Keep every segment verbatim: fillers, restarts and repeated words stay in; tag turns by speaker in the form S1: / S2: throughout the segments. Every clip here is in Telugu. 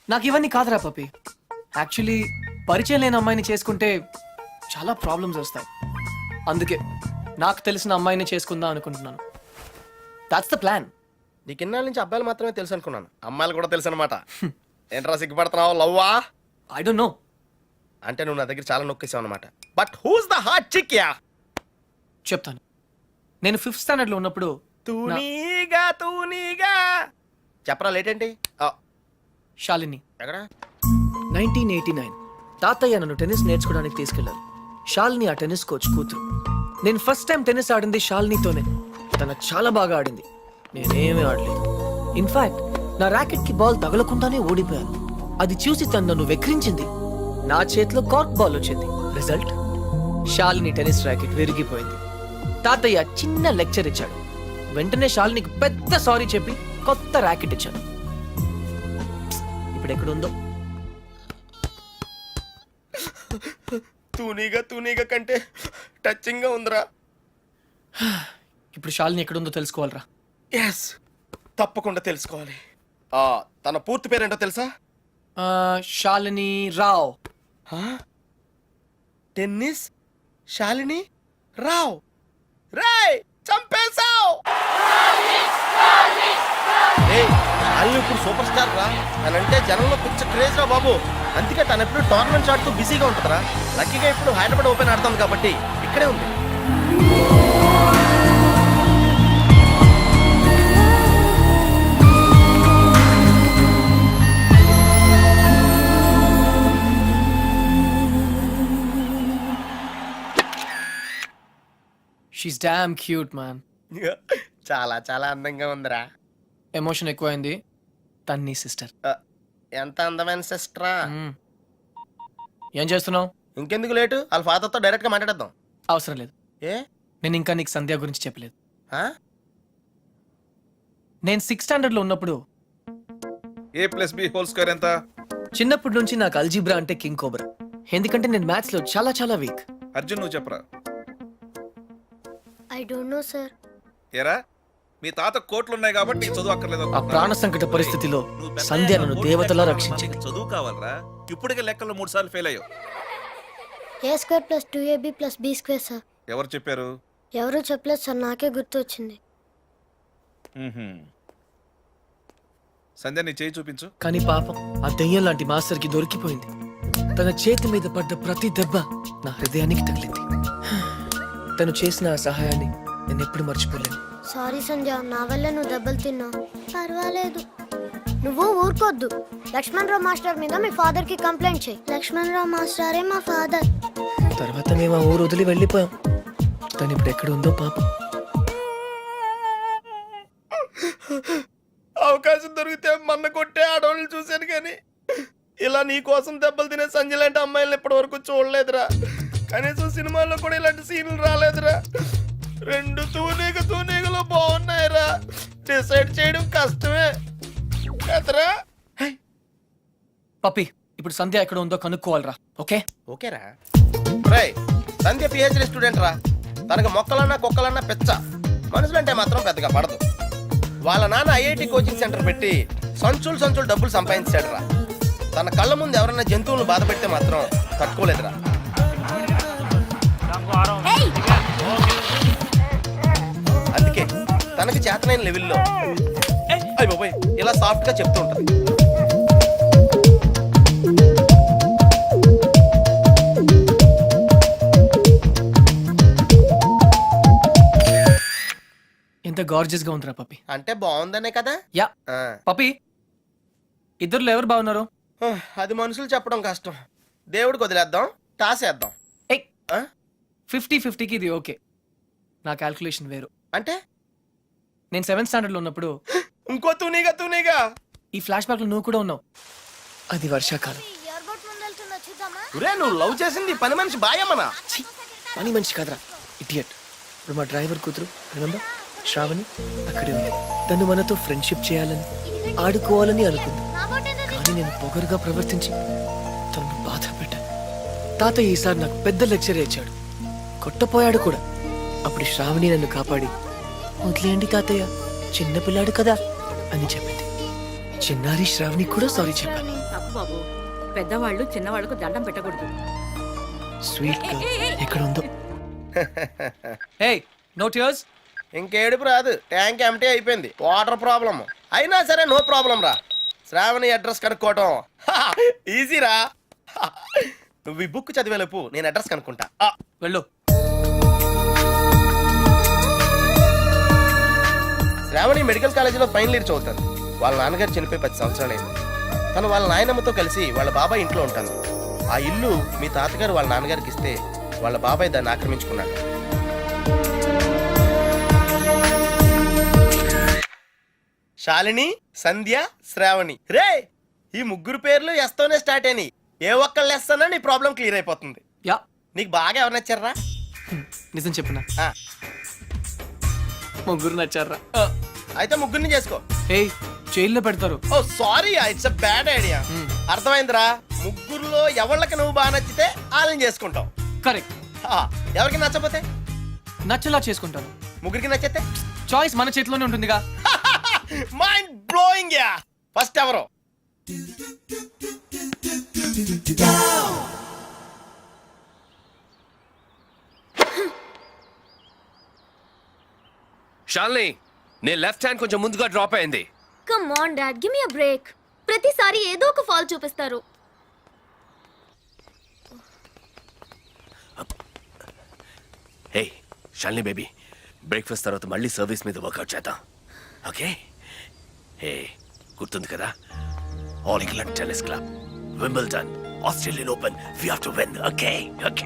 S1: నాకు ఇవన్నీ కాదురా పప్పి. యాక్చువల్లీ పరిచయం లేని అమ్మాయిని చేసుకుంటే చాలా ప్రాబ్లమ్స్ వస్తాయి. అందుకే నాకు తెలిసిన అమ్మాయిని చేసుకుందాం అనుకుంటున్నాను. That's the plan.
S2: నీకు ఇన్నాళ్ళ నుంచి అబ్బాయిలు మాత్రమే తెలుసు అనుకున్నాను, అమ్మాయిలు కూడా తెలుసు అనమాట. ఏంట్రా సిగ్గుపడుతున్నావు? లవ్వా?
S1: I don't know.
S2: అంటే నువ్వు నా దగ్గర చాలా నొక్కేసావు అనమాట. But who's the hot chick yeah?
S1: చెప్తాను. నేను ఫిఫ్త్ స్టాండర్డ్ లో ఉన్నప్పుడు
S2: తూనీగా తూనీగా చెప్పరా లేట్ ఏంటి? ఆ,
S1: శాలిని
S2: ఎక్కడ?
S1: నైన్టీన్ ఎయిటీ నైన్ తాతయ్య నన్ను టెన్నిస్ నేర్చుకోవడానికి తీసుకెళ్లారు. శాలిని ఆ టెన్నిస్ కోచ్ కూతురు. నేను ఫస్ట్ టైం టెన్నిస్ ఆడింది శాలినితోనే. తను చాలా బాగా ఆడింది, నేనేమీ ఆడలేదు. ఇన్ఫాక్ట్ నా ర్యాకెట్ కి బాల్ తగలకుండానే ఓడిపోయాను. అది చూసి తను నన్ను వెక్రించింది. నా చేతిలో కార్క్ బాల్ వచ్చింది. రిజల్ట్, శాలిని టెన్నిస్ ర్యాకెట్ విరిగిపోయింది. తాతయ్య చిన్న లెక్చర్ ఇచ్చాడు. వెంటనే శాలినికి పెద్ద సారీ చెప్పి కొత్త ర్యాకెట్ ఇచ్చాడు. ఇప్పుడు ఎక్కడుందో.
S2: తూనీగా తూనీగా కంటే టచింగ్ గా ఉందిరా.
S1: ఇప్పుడు శాలిని ఎక్కడుందో తెలుసుకోవాలరా.
S2: ఎస్, తప్పకుండా తెలుసుకోవాలి. ఆ, తన పూర్తి పేరేంటో తెలుసా?
S1: ఆ, శాలిని రావ్.
S2: టెన్నిస్ శాలిని రావ్. రేయ్, చంపేశావ్! ఏయ్, శాలిని ఇప్పుడు సూపర్ స్టార్ రా. తనంటే జనంలో పిచ్చ క్రేజ్ రా బాబు. అందుకే తను ఎప్పుడు టోర్నమెంట్స్ ఆడుతూ బిజీగా ఉంటుందిరా. లక్కీగా ఇప్పుడు హైదరాబాద్ ఓపెన్ ఆడుతుంది కాబట్టి ఇక్కడే ఉంది.
S1: She's damn cute man.
S2: చాలా చాలా అందంగా ఉందిరా.
S1: ఎమోషన్ ఎక్కువైంది. తన్ని సిస్టర్.
S2: ఆ, ఎంత అందమైన సిస్టరా.
S1: ఏం చేస్తున్నావు?
S2: ఇంకెందుకు లేటు, వాళ్ళ ఫాదర్తో డైరెక్ట్ గా మాట్లాడేద్దాం.
S1: అవసరం లేదు.
S2: ఏ?
S1: నేను ఇంకా నీకు సంధ్య గురించి చెప్పలేదు.
S2: ఆ?
S1: నేను సిక్స్త్ స్టాండర్డ్ లో ఉన్నప్పుడు
S3: A plus B whole square ఎంత?
S1: చిన్నప్పటి నుంచి నాకు అల్జీబ్రా అంటే కింగ్ కోబ్రా. ఎందుకంటే నేను మ్యాథ్స్ లో చాలా చాలా వీక్.
S3: అర్జున్ నువ్వు చెప్పరా.
S4: I don't know sir.
S3: ఏరా, మీ తాత కోట్లు ఉన్నాయి కాబట్టి నీకు చదువు అక్కర్లేదు
S1: ఆ
S3: అనుకుంటున్నావా?
S1: ప్రాణ సంకట పరిస్థితిలో
S3: నువ్వు పెద్ద
S1: సంధ్య
S3: అయ్యాక
S1: నన్ను
S3: కోట్లు
S1: దేవతలా
S3: లెక్కలు
S1: రక్షించింది.
S3: నీకు చదువు కావాలరా. ఇప్పటికే లెక్కలు మూడు సార్లు ఫెయిల్ అయ్యావు.
S4: A square plus two AB plus B square sir.
S3: ఎవరు చెప్పారు?
S4: ఎవరూ చెప్పలేదు సార్, నాకే గుర్తు వచ్చింది.
S3: మ్మ్హ్మ్. సంధ్య నీ చేయి చూపించు.
S1: కానీ పాపం ఆ దెయ్యం లాంటి మాస్టర్ కి దొరికిపోయింది. తన చేతి మీద పడ్డ ప్రతి దెబ్బ నా హృదయానికి తగిలింది. తను చేసిన ఆ సహాయాన్ని నేను ఎప్పుడు మర్చిపోలేను.
S4: సారీ సంధ్య, నా వల్ల నువ్వు దెబ్బలు తిన్నావు. పర్వాలేదు, నువ్వు ఊరుకోద్దు. లక్ష్మణ్ రావు మాస్టర్ మీద మీ ఫాదర్ కి కంప్లైంట్ చేయి. లక్ష్మణ్ రావు మాస్టరే మా ఫాదర్.
S1: తర్వాత మేము ఆ ఊరు వదిలి వెళ్ళిపోయాం. తను ఇప్పుడు ఎక్కడ ఉందో పాపం.
S2: అవకాశం దొరికితే మన్న కొట్టే ఆడవాళ్ళని చూశాను కానీ ఇలా నీ కోసం దెబ్బలు తినే సంజయ్ లాంటి అమ్మాయిలను ఇప్పటి వరకు చూడలేదురా. కనీసం సినిమాల్లో కూడా ఇలాంటి సీన్లు రాలేదురా. రెండు తూనీగ తూనీగలు బాగున్నాయిరా. డిసైడ్ చేయడం కష్టమే కదరా.
S1: పప్పి, ఇప్పుడు సంధ్య ఎక్కడ ఉందో కనుక్కోవాలరా. ఓకే
S2: ఓకేరా. రై, సంధ్య పిహెచ్డి స్టూడెంట్ రా. తనకు మొక్కలన్నా కుక్కలన్నా పెచ్చ. మనుషులంటే మాత్రం పెద్దగా పడదు. వాళ్ళ నాన్న ఐఐటి కోచింగ్ సెంటర్ పెట్టి సంచులు సంచులు డబ్బులు సంపాదించాడు రా. తన కళ్ళ ముందు ఎవరన్నా జంతువులను బాధ పెడితే మాత్రం తట్టుకోలేదురా. అందుకే తనకి చేతనైన లెవెల్లో అయ్ బాబోయ్ ఇలా సాఫ్ట్ గా చెప్తూ ఉంటుంది.
S1: ఎంత గార్జియస్ గా ఉందిరా పప్పి.
S2: అంటే బాగుందనే కదా.
S1: యా
S2: ఆ.
S1: పప్పి, ఇద్దరులో ఎవరు బాగున్నారు?
S2: అది మనుషులు చెప్పడం కష్టం. దేవుడికి వదిలేద్దాం, టాస్ వేద్దాం. ఆ?
S1: ఫిఫ్టీ ఫిఫ్టీకి ఇది ఓకే. నా క్యాల్కులేషన్ వేరు.
S2: అంటే
S1: నేను సెవెంత్ స్టాండర్డ్ లో ఉన్నప్పుడు
S2: ఇంకో తూనీగా తూనీగా
S1: ఈ ఫ్లాష్ బ్యాక్ లో నువ్వు కూడా ఉన్నావు. అది వర్షాకాలం.
S2: ఒరే, నువ్వు లవ్ చేసింది పని మనిషి బాయమ్మనా?
S1: ఛీ, పని మనిషి కాదురా, ఇడియట్. ఇప్పుడు మా డ్రైవర్ కూతురు రిమెంబర్ శ్రావణి అక్కడే ఉంది. తను మనతో ఫ్రెండ్షిప్ చేయాలని ఆడుకోవాలని అనుకుంది. కానీ నేను పొగరుగా ప్రవర్తించి తనను బాధ పెట్టాను. తాతయ్య ఈసారి నాకు పెద్ద లెక్చర్ ఇచ్చాడు. కొట్టపోయాడు కూడా. అప్పుడు శ్రావణి నన్ను కాపాడి వదిలేయండి తాతయ్య, చిన్నపిల్లాడు కదా అని చెప్పింది. చిన్నారి శ్రావణి కూడా సారీ చెప్పాను.
S5: తప్పు బాబు. పెద్దవాళ్ళు చిన్నవాళ్ళకు దండం పెట్టకూడదు.
S1: స్వీట్ ఎక్కడ ఉందో. Hey no tears.
S2: ఇంకేడుపు రాదు, ట్యాంక్ ఎంటీ అయిపోయింది. వాటర్ ప్రాబ్లం అయినా సరే నో ప్రాబ్లం రా. శ్రావణి అడ్రస్ కనుక్కోవటం ఈజీ రా. నువ్వు ఈ బుక్ చదివేలోపు నేను అడ్రస్ కనుక్కుంటా. ఆ,
S1: వెళ్ళు.
S2: శ్రావణి మెడికల్ కాలేజీలో ఫైనల్ ఇయర్ చదువుతాను. వాళ్ళ నాన్నగారు చనిపోయి పది సంవత్సరాలైంది. తను వాళ్ళ నాయనమ్మతో కలిసి వాళ్ళ బాబాయ్ ఇంట్లో ఉంటాను. ఆ ఇల్లు మీ తాతగారు వాళ్ళ నాన్నగారికి ఇస్తే వాళ్ళ బాబాయ్ దాన్ని ఆక్రమించుకున్నాడు. శాలిని, సంధ్య, శ్రావణి. రే ఈ ముగ్గురు పేర్లు ఎస్తోనే స్టార్ట్ అయినాయి. ఏ ఒక్కళ్ళు ఎస్తానో నీ ప్రాబ్లం క్లియర్ అయిపోతుంది.
S1: యా
S2: నీకు బాగా ఎవరు నచ్చారా?
S1: నిజం చెప్పునా,
S2: ఆ,
S1: ముగ్గురు నచ్చారా?
S2: అయితే ముగ్గురిని చేసుకో.
S1: హే జైల్లో పెడతారు.
S2: Oh sorry, it's a bad idea. అర్థమైందిరా? ముగ్గురులో ఎవళ్ళకి నువ్వు బాగా నచ్చితే వాళ్ళని చేసుకుంటావు.
S1: కరెక్ట్.
S2: ఆ, ఎవరికి నచ్చపోతే
S1: నచ్చలా చేసుకుంటాను.
S2: ముగ్గురికి నచ్చితే
S1: చాయిస్ మన చేతిలోనే ఉంటుందిగా.
S2: Mind blowing yeah. ఫస్ట్ ఎవరు?
S6: షాల్ని, నీ లెఫ్ట్ హ్యాండ్ కొంచెం ముందుగా డ్రాప్ అయింది.
S4: Come on dad, give me a break. ప్రతిసారి ఏదో ఒక ఫాల్ చూపిస్తారు.
S6: హే షాల్ని బేబీ, బ్రేక్ఫాస్ట్ తర్వాత మళ్ళీ సర్వీస్ మీద వర్కౌట్ చేద్దాం, ఓకే? హే గుర్తుంది కదా, all England tennis club, Wimbledon, Australian open, we have to win, okay? Okay.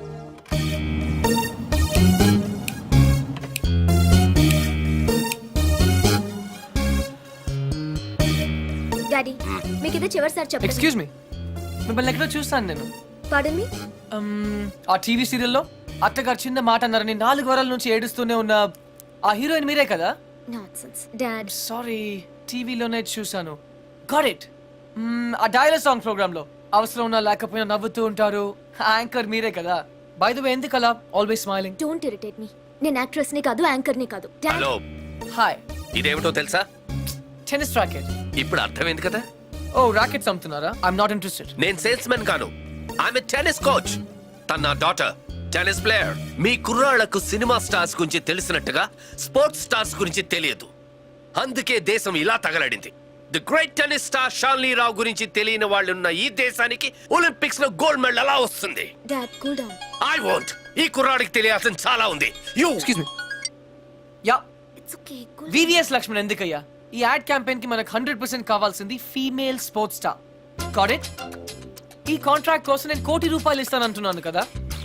S4: Daddy మీకు ఇది చివరిసారి చెప్పండి.
S1: ఎక్స్క్యూజ్ మీ, మిమ్మల్ని ఎక్కడో చూస్తాను నేను.
S4: పాడన్ మీ.
S1: Um, ఆ టీవీ సీరియల్లో అత్తగారు చిన్న మాట అన్నారని నాలుగు వారాల నుంచి ఏడుస్తూనే ఉన్న ఆ హీరోయిన్ మీరే కదా?
S4: Nonsense dad.
S1: సారీ, టీవీలోనే చూసాను. Got it. ఆ డైలాగ్ సాంగ్ ప్రోగ్రామ్ లో అవసరం ఉన్నా లేకపోయినా నవ్వుతూ ఉంటారు. యాంకర్ మీరే కదా? బై ద వే, ఎందుకు అలా always smiling?
S4: Don't irritate me. నేను యాక్ట్రెస్ ని కాదు, యాంకర్ ని కాదు. డాడ్.
S6: Hello,
S1: hi.
S6: ఇదేమిటో తెలుసా?
S1: Tennis racket.
S6: ఇప్పుడు అర్థమైంది కదా?
S1: ఓ రాకెట్స్ అమ్ముతున్నారా? I'm not interested.
S6: నేను సేల్స్ మెన్ కాను, ఐఎమ్ ఎ టెన్నిస్ కోచ్. తన నా డాటర్ టెన్నిస్ ప్లేయర్. మీ కుర్రాళ్లకు సినిమా స్టార్స్ గురించి తెలిసినట్టుగా స్పోర్ట్స్ స్టార్స్ గురించి తెలియదు. అందుకే దేశం ఇలా తగలడింది. ది గ్రేట్ టెన్నిస్ స్టార్ షాల్ని రావు గురించి తెలియని వాళ్ళున్న ఈ దేశానికి ఒలింపిక్స్ లో గోల్డ్ మెడల్ ఎలా వస్తుంది?
S4: Dad cool down.
S6: I want. ఈ కుర్రాడికి తెలియాల్సిన చాలా ఉంది. You
S1: excuse me. Yeah,
S4: it's okay. Cool.
S1: VVS Laxman ఎందుకయ్యా? ఈ యాడ్ క్యాంపెయిన్ కి మనకు హండ్రెడ్ పర్సెంట్ కావాల్సింది female sports star. Got it? ఈ కాంట్రాక్ట్ కోసం నేను కోటి రూపాయలు ఇస్తాను అంటున్నాను కదా.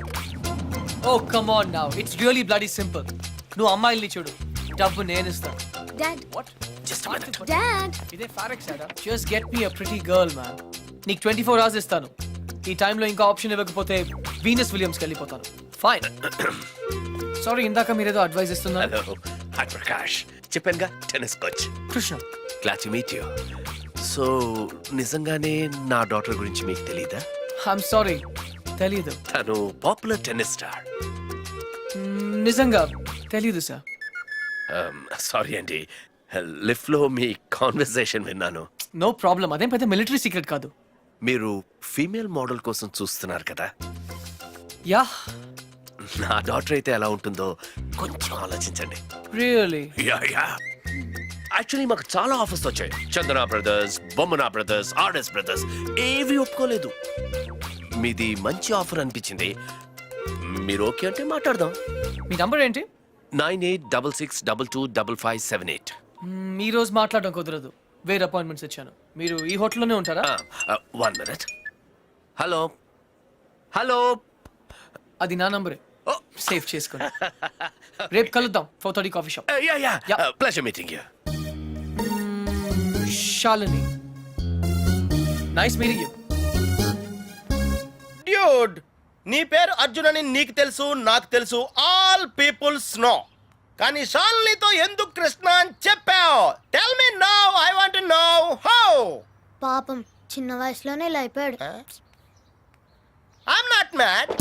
S1: Oh come on now, it's really bloody simple. నువ్వు అమ్మాయిల్ని చూడు, డబ్బు నేను ఇస్తాను.
S4: Dad.
S1: What?
S6: Just minute.
S4: Dad.
S1: ఇదే ఫారెక్స్ యాడా? Just get me a pretty girl man. నీకు ట్వంటీ ఫోర్ అవర్స్ ఇస్తాను. ఈ టైంలో ఇంకా ఆప్షన్ ఇవ్వకపోతే వీనస్ విలియమ్స్కి వెళ్ళిపోతాను. ఫైన్. సారీ, ఇందాక మీరేదో అడ్వైస్ ఇస్తున్నారు.
S6: Hello, hi Prakash. చెప్పానుగా, tennis coach.
S1: Krishna.
S6: Glad to meet you. So నిజంగానే నా డాటర్ గురించి మీకు తెలీదా?
S1: ఐఎమ్ సారీ, తెలీదు.
S6: తను పాపులర్ టెన్నిస్ స్టార్.
S1: మ్మ్, నిజంగా తెలీదు సార్.
S6: సారీ అండి, లిఫ్ట్ లో మీ కాన్వర్సేషన్ విన్నాను.
S1: నో ప్రాబ్లం, అదేం పెద్ద మిలిటరీ సీక్రెట్ కాదు.
S6: మీరు ఫీమేల్ మోడల్ కోసం చూస్తున్నారు కదా?
S1: యా.
S6: నా డాటర్ అయితే ఎలా ఉంటుందో కొంచెం ఆలోచించండి.
S1: రియల్లీ?
S6: యా యా యాక్చువల్లీ మాకు చాలా ఆఫర్స్ వచ్చాయి. Chandana brothers, Bommana brothers, RS brothers ఏవి ఒప్పుకోలేదు. మీది మంచి ఆఫర్ అనిపించింది. మీరు ఓకే అంటే మాట్లాడదాం.
S1: మీ నంబర్ ఏంటి?
S6: Nine eight double six double two double five seven eight.
S1: మ్మ్, ఈ రోజు మాట్లాడడం కుదరదు, వేరే అపాయింట్మెంట్స్ ఇచ్చాను. మీరు ఈ హోటల్లోనే ఉంటారా?
S6: One minute. హలో హలో,
S1: అది నా నంబరే. సేవ్ చేసుకోండి. రేపు కలుద్దాం, four thirty coffee shop.
S6: Yeah yeah
S1: Yeah.
S6: Pleasure meeting you.
S1: Shalini, nice meeting you.
S2: Dude, నీ పేరు అర్జున్ అని నీకు తెలుసు, నాకు తెలుసు, ఆల్ పీపుల్స్ నో. కానీ షాలినితో ఎందుకు కృష్ణ అని చెప్పావు? Tell me now, I want to know how.
S4: పాపం చిన్న వయసులోనే ఇలా అయిపోయాడు.
S2: I'm not mad.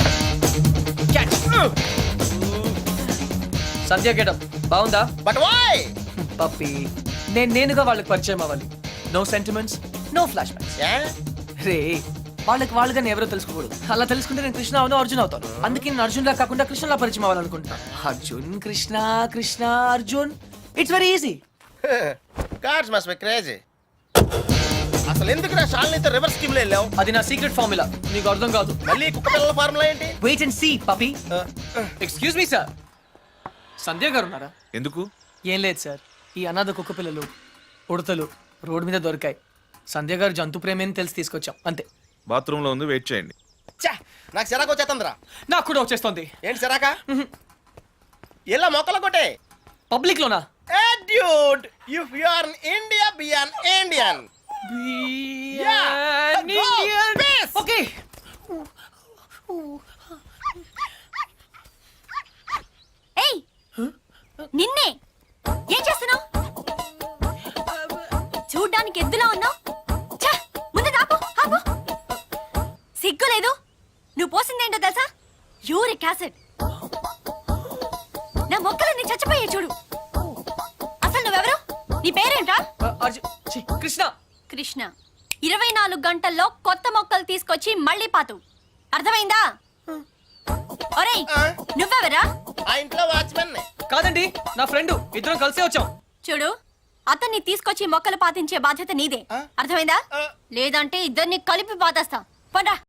S1: Sandhya getup బాగుందా?
S2: But why?
S1: పప్పి, నేను నేనుగా వాళ్ళకి పరిచయం అవ్వాలి. No sentiments, no flashbacks. రే వాళ్ళకి వాళ్ళుగా నేను ఎవరో తెలుసుకోకూడదు. అలా తెలుసుకుంటే నేను కృష్ణ అవును అర్జున్ అవుతాను. అందుకే నేను అర్జున్ లా కాకుండా కృష్ణలా పరిచయం అవ్వాలనుకుంటున్నాను. Arjun Krishna Krishna Arjun it's very easy.
S2: Cards must be crazy. అసలు ఎందుకు నా షాల్నీతో రివర్స్ స్కీమ్ లో వెళ్ళావు?
S1: అది నా సీక్రెట్ ఫార్ములా, నీకు అర్థం కాదు.
S2: మళ్ళీ కుక్క పిల్లల ఫార్ములా ఏంటి?
S1: Wait and see puppy. Excuse me sir, Sandhya గారు ఉన్నారా?
S3: ఎందుకు?
S1: ఏం లేదు సార్, ఈ అనాథ కుక్క పిల్లలు ఉడతలు రోడ్ మీద దొరికాయి. సంధ్య గారు జంతు ప్రేమని తెలిసి తీసుకొచ్చాం అంతే.
S3: బాత్రూమ్ లో ఉంది, వెయిట్ చేయండి.
S2: ఛే, నాకు సిరాకు వచ్చేస్తుందిరా.
S1: నాకు కూడా వచ్చేస్తుంది.
S2: ఏంటి సిరాకా? ఇలా మొక్కలు కొట్టే
S1: పబ్లిక్ లోనా?
S2: Hey dude, if you are in India, be an Indian. Yeah, go, peace.
S1: Okay.
S7: ఏయ్ నిన్నే ఏం చేస్తున్నావు? చూడ్డానికి ఎద్దులా ఉన్నావు. ఛ, ముందు ఆపు ఆపు. సిగ్గు లేదు. నువ్వు పోసిందేంటో తెలుసా? Uric acid. నా మొక్కలన్నీ చచ్చిపోయాయి చూడు. అసలు నువ్వెవరు? నీ పేరేంట్రా?
S1: అర్జున్ ఛీ, కృష్ణ.
S7: కృష్ణ. ఇరవై నాలుగు గంటల్లో కొత్త మొక్కలు తీసుకొచ్చి మళ్ళీ పాతు. అర్థమైందా? ఒరేయ్ నువ్వెవరా?
S2: ఆ ఇంట్లో వాచ్మెన్.
S1: కాదండి, నా ఫ్రెండ్. ఇద్దరం కలిసే వచ్చాం.
S7: చూడు, అతన్ని తీసుకొచ్చి మొక్కలు పాతించే బాధ్యత నీదే. అర్థమైందా? లేదంటే ఇద్దరిని కలిపి పాతేస్తా. పండ్రా.